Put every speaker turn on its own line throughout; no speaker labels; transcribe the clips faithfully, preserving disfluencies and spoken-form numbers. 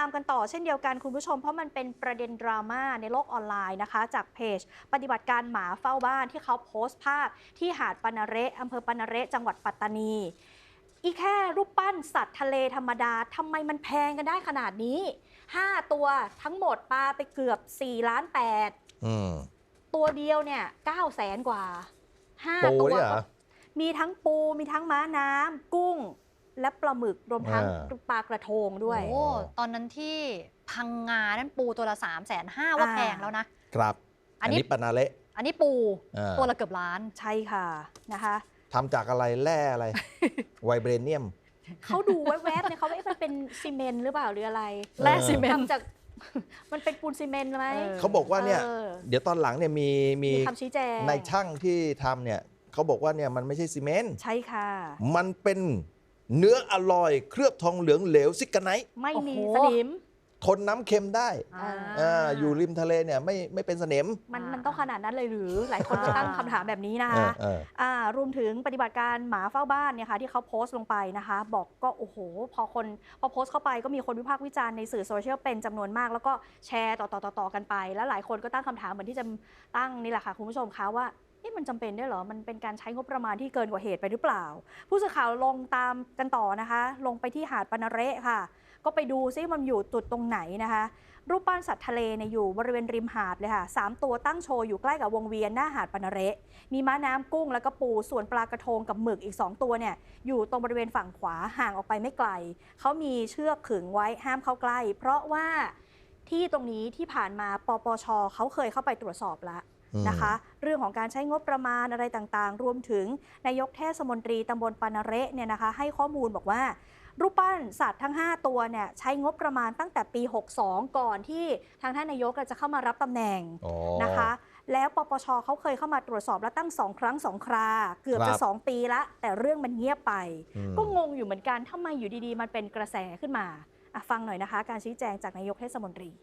กันต่อเช่นเดียวกันคุณผู้ชมเพราะมันเป็นประเด็นดราม่าในโลกออนไลน์นะคะจากเพจปฏิบัติการหมาเฝ้าบ้านที่เขาโพสต์ภาพที่หาดปะนาเระอำเภอปะนาเระจังหวัดปัตตานีอีแค่รูปปั้นสัตว์ทะเลธรรมดาทำไมมันแพงกันได้ขนาดนี้ห้าตัวทั้งหมดปลาไปเกือบสี่ล้านแปดตัวเดียวเนี่ยเก้าแสนกว่าห้าตัวมีทั้งปูมีทั้งม้าน้ำกุ้งและปลาหมึกรวมทั้งปลากระทงด้วย
โอ้ตอนนั้นที่พังงานั้นปูตัวละสามแสนห้าว่าแพงแล้วนะครับ
อันนี้ปะนาเละ
อันนี้ปูตัวละเกือบล้าน
ใช่ค่ะนะคะ
ทำจากอะไรแร่อะไร ไวเบรเนียม
เขาดูแวบๆเนี่ยเขาว่ามันเป็นซีเมนต์หรือเปล่าหรืออะไร
แร่ซีเมนต์
ทำจากมันเป็นปูนซีเมนต์ไหม
เขาบอกว่าเนี่ยเดี๋ยวตอนหลังเนี่ยมีมี
คำชี้แจง
ในช่างที่ทำเนี่ยเขาบอกว่าเนี่ยมันไม่ใช่ซีเมนต์
ใช่ค่ะ
มันเป็นเนื้ออร่อยเคลือบทองเหลืองเหลวซิกาไนท์
ไม่มีสนิม
ทนน้ำเค็มได้อยู่ริมทะเลเนี่ยไม่ไม่เป็นสนิม
มันมันต้องขนาดนั้นเลยหรือหลายคนก็ตั้งคำถามแบบนี้นะคะรวมถึงปฏิบัติการหมาเฝ้าบ้านเนี่ยค่ะที่เขาโพสต์ลงไปนะคะบอกก็โอ้โหพอคนพอโพสต์เข้าไปก็มีคนวิพากษ์วิจารณ์ในสื่อโซเชียลเป็นจำนวนมากแล้วก็แชร์ต่อต่อต่อกันไปแล้วหลายคนก็ตั้งคำถามเหมือนที่จะตั้งนี่แหละค่ะคุณผู้ชมคะว่านี่มันจำเป็นได้เหรอมันเป็นการใช้งบประมาณที่เกินกว่าเหตุไปหรือเปล่าผู้สื่อข่าวลงตามกันต่อนะคะลงไปที่หาดปะนาเระค่ะก็ไปดูซิมันอยู่จุดตรงไหนนะคะรูปปั้นสัตว์ทะเลเนี่ยอยู่บริเวณริมหาดเลยค่ะสามตัวตั้งโชว์อยู่ใกล้กับวงเวียนหน้าหาดปะนาเระมีม้าน้ำกุ้งแล้วก็ปูส่วนปลากระทงกับหมึกอีกสองตัวเนี่ยอยู่ตรงบริเวณฝั่งขวาห่างออกไปไม่ไกลเขามีเชือกขึงไว้ห้ามเข้าใกล้เพราะว่าที่ตรงนี้ที่ผ่านมาปปช.เขาเคยเข้าไปตรวจสอบแล้วนะคะเรื่องของการใช้งบประมาณอะไรต่างๆรวมถึงนายกเทศมนตรีตำบลปะนาเระเนี่ยนะคะให้ข้อมูลบอกว่ารูปปั้นสัตว์ทั้งห้าตัวเนี่ยใช้งบประมาณตั้งแต่ปีหกสิบสองก่อนที่ทางท่านนายกจะเข้ามารับตำแหน่งนะคะแล้วปปช.เขาเคยเข้ามาตรวจสอบแล้วตั้งสองครั้งสองคราเกือบจะสองปีละแต่เรื่องมันเงียบไปก็งงอยู่เหมือนกันทำไมอยู่ดีๆมันเป็นกระแสขึ้นมาฟังหน่อยนะคะการชี้แจงจากนายกเทศมนตรี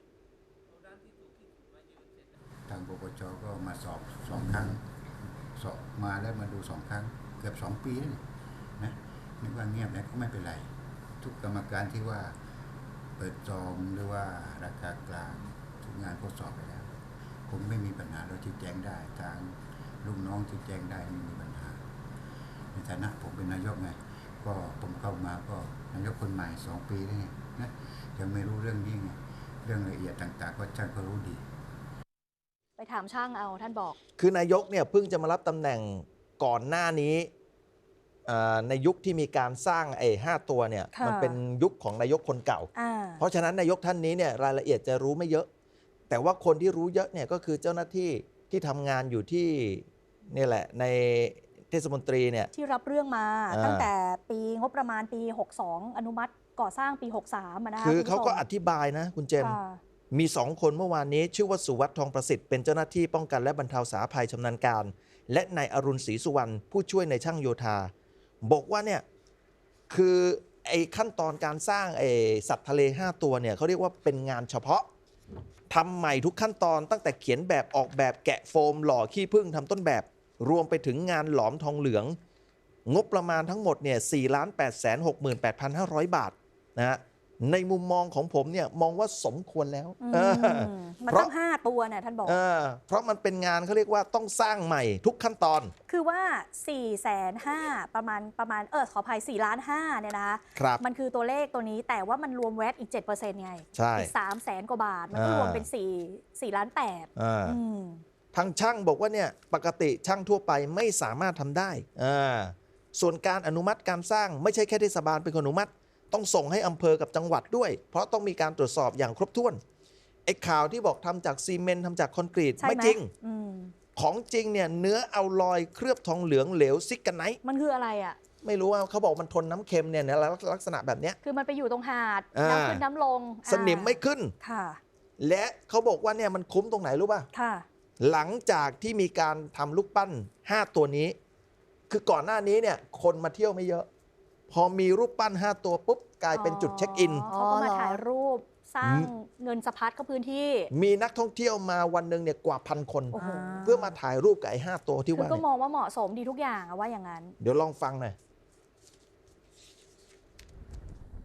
ทางปปช.ก็มาสอบสองครั้งสอบมาแล้วมาดูสองครั้งเกือบสองปีแล้วนะนึกว่าเงียบแล้วก็ไม่เป็นไรทุกกรรมการที่ว่าเปิดจองหรือว่าราคากลางทุกงานก็สอบไปแล้วผมไม่มีปัญหาเราชี้แจงได้ทางลูกน้องชี้แจงได้ไม่มีปัญหาในฐานะผมเป็นนายกไงก็ผมเข้ามาก็นายกคนใหม่สองปีแล้วไงนะยังไม่รู้เรื่องนี้ไงเรื่องละเอียดต่างๆก็ช่างก็รู้ดี
ไปถามช่างเอาท่านบอก
คือนายกเนี่ยเพิ่งจะมารับตำแหน่งก่อนหน้านี้ในยุคที่มีการสร้างไอ้ห้าตัวเนี่ยมันเป็นยุคของนายกคนเก่าเพราะฉะนั้นนายกท่านนี้เนี่ยรายละเอียดจะรู้ไม่เยอะแต่ว่าคนที่รู้เยอะเนี่ยก็คือเจ้าหน้าที่ที่ทำงานอยู่ที่นี่แหละในเทศมนตรีเนี่ย
ที่รับเรื่องมาตั้งแต่ปีงบประมาณปีหกสิบสองอนุมัติก่อสร้างปีหกสิบสามนะคะ
คือเขาก็อธิบายนะคุณเจมมีสองคนเมื่อวานนี้ชื่อว่าสุวัฒน์ทองประสิทธิ์เป็นเจ้าหน้าที่ป้องกันและบรรเทาสาธารณภัยชำนาญการและนายอรุณศรีสุวรรณผู้ช่วยในช่างโยธาบอกว่าเนี่ยคือไอ้ขั้นตอนการสร้างไอ้สัตว์ทะเลห้าตัวเนี่ยเขาเรียกว่าเป็นงานเฉพาะทำใหม่ทุกขั้นตอนตั้งแต่เขียนแบบออกแบบแกะโฟมหล่อขี้ผึ้งทำต้นแบบรวมไปถึงงานหลอมทองเหลืองงบประมาณทั้งหมดเนี่ย สี่ล้านแปดแสนหกหมื่นแปดพันห้าร้อย บาทนะฮะในมุมมองของผมเนี่ยมองว่าสมควรแล้ว
มันต้องห้าตัวเนี่ยท่านบอก
เพราะมันเป็นงานเขาเรียกว่าต้องสร้างใหม่ทุกขั้นตอน
คือว่าสี่แสนห้าประมาณประมาณเออขออภัยสี่ล้านห้าเนี่ยนะคะมันคือตัวเลขตัวนี้แต่ว่ามันรวมแวตอีก เจ็ดเปอร์เซ็นต์ ไงอีกสามแสนกว่าบาทมันก็รวมเป็นสี่สี่ล้านแปด
ทางช่างบอกว่าเนี่ยปกติช่างทั่วไปไม่สามารถทำได้ส่วนการอนุมัติการสร้างไม่ใช่แค่เทศบาลเป็นคนอนุมัติต้องส่งให้อำเภอกับจังหวัดด้วยเพราะต้องมีการตรวจสอบอย่างครบถ้วนไอ้ข่าวที่บอกทำจากซีเมนต์ทำจากคอนกรีตไม่จริงของจริงเนี่ยเนื้อเอาลอยเคลือบทองเหลืองเหลวซิกาไนท์
มันคืออะไรอ่ะ
ไม่รู้ว่าเขาบอกมันทนน้ำเค็มเนี่ยลักษณะแบบเนี้ย
คือมันไปอยู่ตรงหาดน้ำขึ้นน้ำลง
สนิมไม่ขึ้น
ค่ะ
และเขาบอกว่าเนี่ยมันคุ้มตรงไหนรู้ป่ะ
ค่ะ
หลังจากที่มีการทำลูกปั้นห้าตัวนี้คือก่อนหน้านี้เนี่ยคนมาเที่ยวไม่เยอะพอมีรูปปั้นห้าตัวปุ๊บกลายเป็นจุดเช็คอิน
เขาก็มาถ่ายรูปสร้างเงินสะพัดเข้าพื้นที่
มีนักท่องเที่ยวมาวันหนึ่งเนี่ยกว่าพันคนเพื่อมาถ่ายรูปกับไอ้ห้าตัวที่ว่า
ก็มองว่าเหมาะสมดีทุกอย่างว่าอย่างนั้น
เดี๋ยวลองฟังหน่อย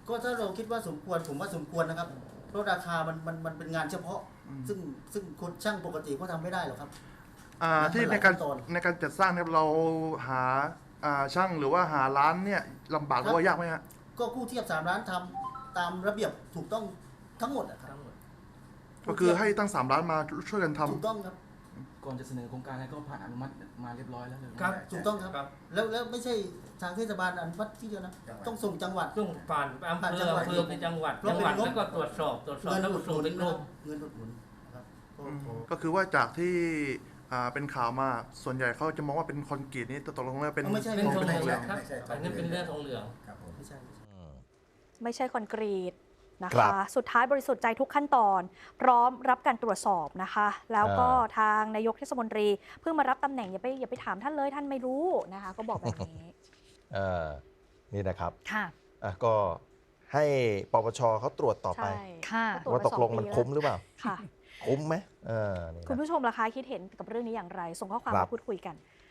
ก็ถ้าเราคิดว่าสมควรผมว่าสมควรนะครับเพราะราคามันมันมันเป็นงานเฉพาะ ซึ่งซึ่งคนช่างปกติก็ทำไม่ได้หรอกครับ
อ่า
มัน
ที่
ห
ใน
ลาย
การ
ขั้นตอน
ในการจัดสร้างเนี่ยเราหาอ่าช่างหรือว่าหาร้านเนี่ยลำบากหรือว่ายากไหมฮะ
ก็กู้เทียบสามร้านทำตามระเบียบถูกต้องทั้งหมดอะครับ
ก็คือให้ตั้งสามร้านมาช่วยกันทำ
ถูกต้องครับ
ก่อนจะเสนอโครงการให้ก็ผ่านอนุมัติมาเรียบร้อยแล้วเลย
ครับ ถูกต้องครับ แล้วแล้วไม่ใช่ทางเทศบาลอนุมัติที่เดียวนะ ต้องส่งจังหวัด
ต้องผ่านอำเภ
ผ่าน
อ
จังหวัด
อำเภอไปจังหวัด
เพราะ
จังหวัด
เป็นงบ
แล้วก็ตรวจสอบตรวจสอบ
เงิน
แล้ว
อุ
ก็
ดห
ส่ง
นุน
เป็นก
นะ
ร
ครั
ม
บเงินอุดหนุนนะครับก็
อืม
ก็
ก็คือว่าจากที่อ่าเป็นข่าวมาส่วนใหญ่เขาจะมองว่าเป็นคอนกรีตนี่ตกลงแล้วเป็น
ไม่ใช่
เป็นทอง
เป็น
เหลือง
ท
ครับ
ไม่ใช่
อันนี้เป็นเรื่องทองเหลือง
ครับผม
ไม่ใช่ไม่ใช่
อืม
ไม่ใช่คอนกรีตนะ
ครั
คะ
บ
สุดท้ายบริสุทธิ์ใจทุกขั้นตอน พร้อมรับการตรวจสอบนะคะ แล้วก็
อ่า
ทางนายกเทศมนตรีเพิ่งมารับตำแหน่งอย่าไปอย่าไปถามท่านเลยท่านไม่รู้นะคะ ก็บอกแบบนี้
เออนี่นะครับ
ค่ะ
อ่ะก็ให้ปปชเขาตรวจต่อไป
ใช่
ค่ะ
ตรวจ
ว่า
มา
ตกลง
สองปี
มัน
แล้ว
คุ้มหรือเปล่า
ค่ะ
คุ้มไหมเออนี่
คุณ
นะ
ผู้ชมล่ะคะคิดเห็นกับเรื่องนี้อย่างไร ส่งข้อความ
ครั
มา
บ
พูดคุยกัน